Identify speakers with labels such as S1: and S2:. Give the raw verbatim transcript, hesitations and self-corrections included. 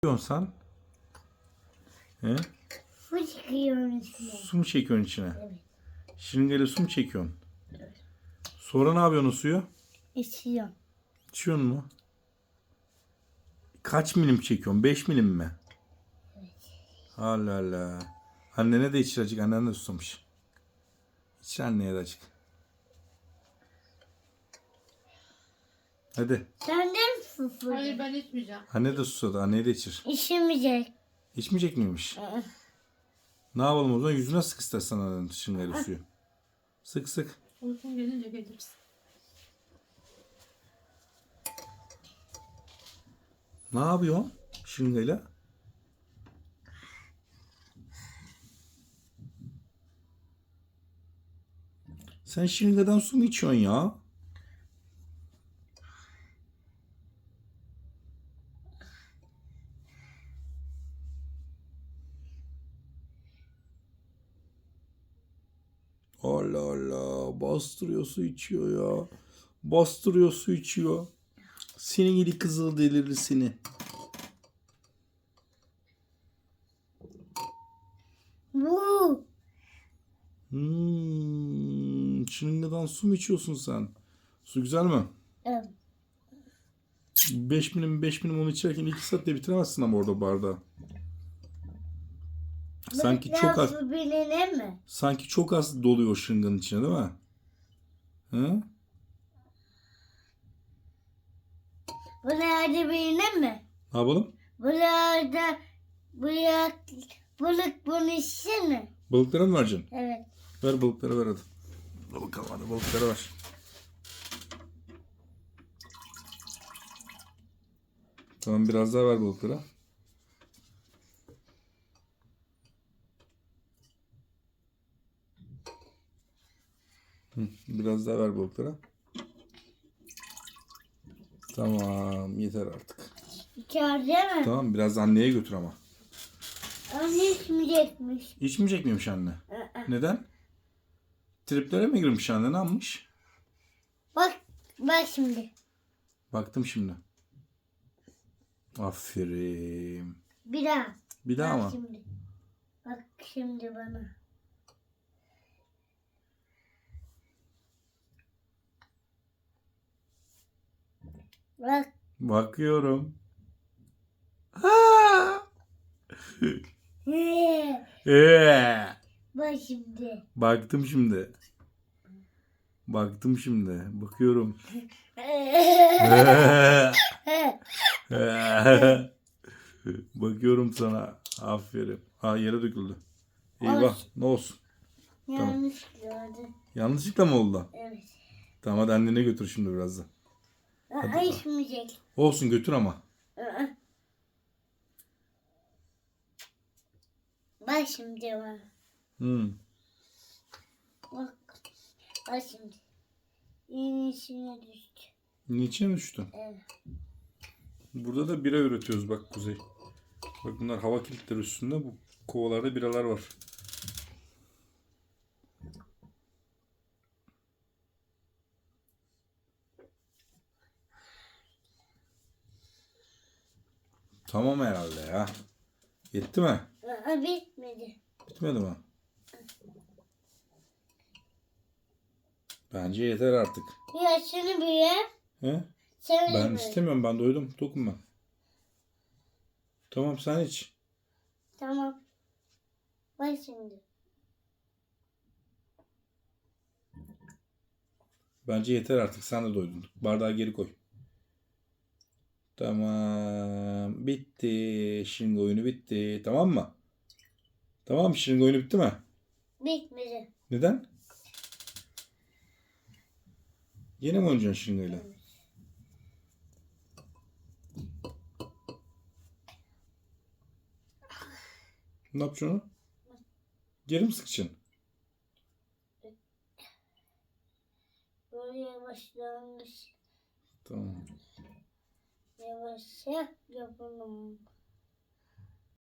S1: yapıyorsun sen? He?
S2: Su çekiyorum içine.
S1: Su mu çekiyorsun içine?
S2: Evet.
S1: Şırıngayla su mu çekiyorsun? Sonra ne yapıyorsun o suyu?
S2: İçiyorum.
S1: İçiyorsun mu? Kaç milim çekiyorsun? beş milim mi?
S2: Evet.
S1: Allah Allah. Annene de içir acık. Annen de susamış. İçir anneye de acık. Hadi.
S2: Sen de mi susadın?
S3: Hayır ben içmeyeceğim.
S1: Anne de susadı. Anneye de içir.
S2: İçmeyecek.
S1: İçmeyecek miymiş?
S2: Aa,
S1: Ne yapalım o zaman? Yüzüne sık istersen annenin şırıngayla suyu. Sık sık.
S3: Uykum gelince geliriz.
S1: Ne yapıyorsun şırıngayla? Sen şırıngadan su mu içiyorsun ya? Allah Allah. Bastırıyor su içiyor ya. Bastırıyor su içiyor. Senin gibi kızıl delirir seni.
S2: Bu.
S1: Hmm, şırıngadan su mu içiyorsun sen? Su güzel mi?
S2: Evet.
S1: beş milim beş milim onu içerken iki saatte bitiremezsin ama orada bardağı. Sanki çok az
S2: Su biline mi?
S1: sanki çok az doluyor şırınganın içine değil mi? Hı?
S2: Bu nerede biline mi?
S1: Ne yapalım?
S2: Burada buraya balık bunu içsin mi?
S1: Balıklara mı vereceksin?
S2: Evet.
S1: Ver balıklara ver hadi. Dur bakalım hadi balıklara ver. Tamam biraz daha ver balıklara. Hı, biraz daha ver balıklara. Tamam yeter artık.
S2: İçeride mi?
S1: Tamam biraz anneye götür ama.
S2: Anne içmeyecekmiş.
S1: İçmeyecek miymiş anne?
S2: Aa.
S1: Neden? Triplere mi girmiş anne ne yapmış?
S2: Bak, bak şimdi.
S1: Baktım şimdi. Aferin.
S2: Bir daha.
S1: Bir daha
S2: Bak
S1: mı?
S2: şimdi. Bak şimdi bana. Bak.
S1: Bakıyorum. Ha!
S2: Ee,
S1: Ee!
S2: Bak şimdi.
S1: Baktım şimdi. Baktım şimdi. Bakıyorum. Bakıyorum sana. Aferin. Ha yere döküldü. Eyvah. Ne olsun.
S2: Yanlış gördüm.
S1: Yanlışlıkla mı oldu?
S2: Evet.
S1: Tamam hadi annene götür şimdi birazdan.
S2: Aa, içmeyecek.
S1: Olsun götür ama.
S2: Aa. Bak şimdi bak.
S1: Hmm.
S2: Bak. Bak şimdi. Yine içine düştü.
S1: Niçin düştü?
S2: Evet.
S1: Burada da bira üretiyoruz bak Kuzey. Bak bunlar hava kilitleri üstünde. Bu kovalarda biralar var. Tamam herhalde ya. Yetti mi?
S2: Aa, bitmedi.
S1: Bitmedi mi? Bence yeter artık.
S2: Ya şunu bir ye.
S1: He?
S2: Sen
S1: Ben
S2: ye.
S1: istemiyorum. Ben doydum. Dokunma. Tamam sen iç.
S2: Tamam. Bak şimdi.
S1: Bence yeter artık. Sen de doydun. Bardağı geri koy. Tamam. Bitti. Şırınga oyunu bitti. Tamam mı? Tamam mı? Şırınga oyunu bitti mi?
S2: Bitmedi.
S1: Neden? Yine mi oynayacaksın şırıngayla? Ne yapacaksın onu? Geri mi sıkacaksın?
S2: Böyle yavaşlanmış.
S1: Tamam.
S2: Yavaşça yapalım.